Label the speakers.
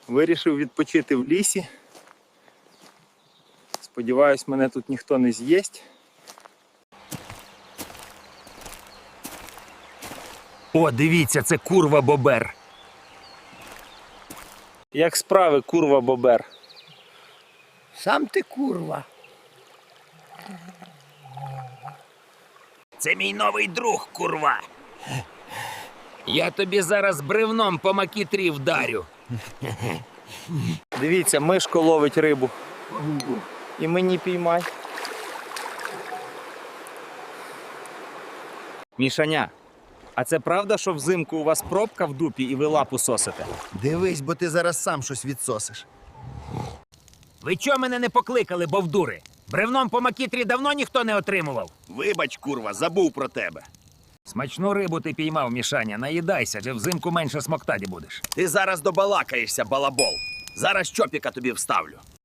Speaker 1: Вирішив відпочити в лісі. Сподіваюсь, мене тут ніхто не з'їсть.
Speaker 2: О, дивіться, це курва-бобер.
Speaker 1: Як справи, курва-бобер?
Speaker 3: Сам ти курва.
Speaker 2: Це мій новий друг, курва. Я тобі зараз бревном по макітрі вдарю.
Speaker 1: Дивіться, мишко ловить рибу. І мені піймай. Мішаня, а це правда, що взимку у вас пробка в дупі і ви лапу сосите?
Speaker 4: Дивись, бо ти зараз сам щось відсосиш.
Speaker 2: Ви чого мене не покликали, бовдури? Бревном по макітрі давно ніхто не отримував.
Speaker 5: Вибач, курва, забув про тебе.
Speaker 2: Смачну рибу ти піймав, Мішаня, наїдайся, де взимку менше смоктаті будеш.
Speaker 5: Ти зараз добалакаєшся, балабол. Зараз чопіка тобі вставлю.